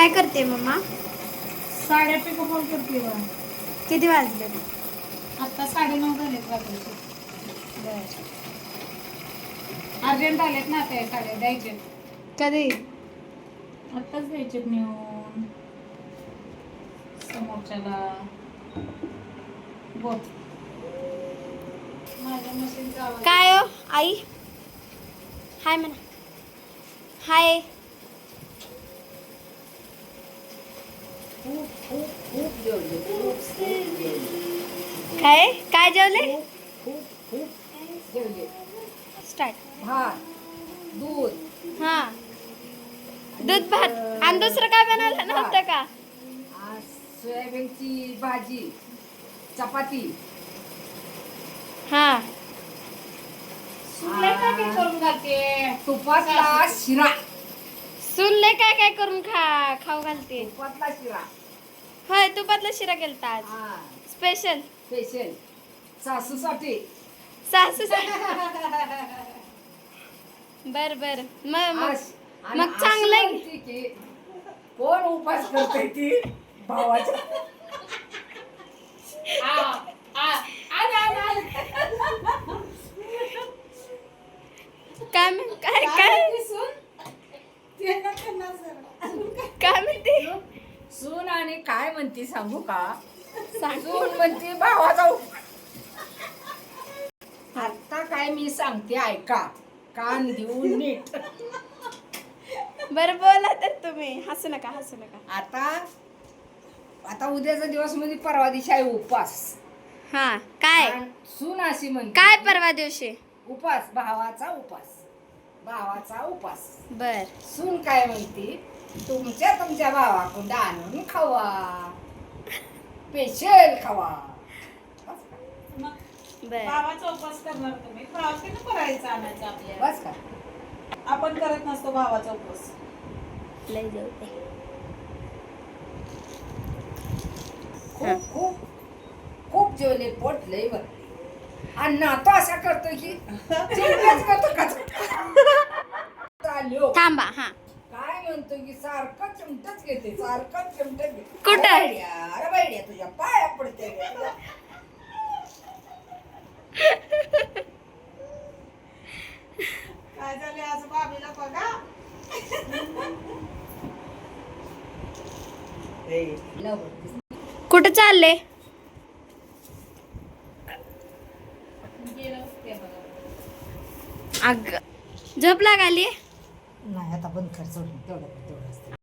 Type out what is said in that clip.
काय करते मम्मा? साड्या पिको फॉल करते बा. किती वाजले? आता 9:30 झालेत रात्रीचे. अर्जंट आलेत ना ते साड्या द्यायचे. कधी? आत्ताच द्यायचे नेऊन समोरच्याला. बोल. माझ्या मशीनचा आवाज. काय हो आई? हाय म्हणा. हाय. खूप जेवले, खूप जेवले. काय काय जेवले? खूप जेवले. स्टार्ट. भात, दूध, हा, दूध भात. आणि दुसरं काय बनवलं नव्हतं का? आज सोयाबीनची भाजी, चपाती. हा. सुनले काय काय करून घालते. तुपातला शिरा. सुनले काय काय करून खाऊ घालते. तुपातला शिरा. होय, तुपातला शिरा केलता आज. हा, स्पेशल. स्पेशल सासूसाठी. सासू. बर बर. मग चांगलं आहे. की कोण उपास करते ती भावाच्या. काय काय काय काय म्हणते? सून आणि काय म्हणते सांगू का? सांग. सून म्हणते भावाचा आता काय मी सांगते ऐका, कान देऊन नीट. बरं बोला तर तुम्ही. हसू नका, हसू नका. आता उद्याचा दिवस म्हणजे परवा दिवशी आहे उपास. हा. काय आणि सून अशी म्हणते काय परवा दिवशी? उपास, भावाचा उपास, भावाचा उपास. बर सून काय म्हणते, तुमच्या भावाकडं आणून खावा, स्पेशल खावा. बर. भावाचा उपवास करणार तुम्ही. भावाकडनं करायचं आणायचं आपल्याला. बस का? आपण करत नसतो भावाचा उपवास. लय जाऊ दे. खूप खूप खूप जेवले, पोट लय भरले. आणि नातो असा करतो की चिमट्याच करतो का चाललो. थांबा. हा. काय म्हणतो की सारखं चिमटच घेते, सारखं चिमटच घेते. कुठं? अरे बाईड्या तुझ्या पाया पडते. काय झाले आज बाबीला बघा. कुठं चालले? गेलं ते बघा. अग झोप लागाली. नाही आता बंद कर, सोडून तेवढं असतं.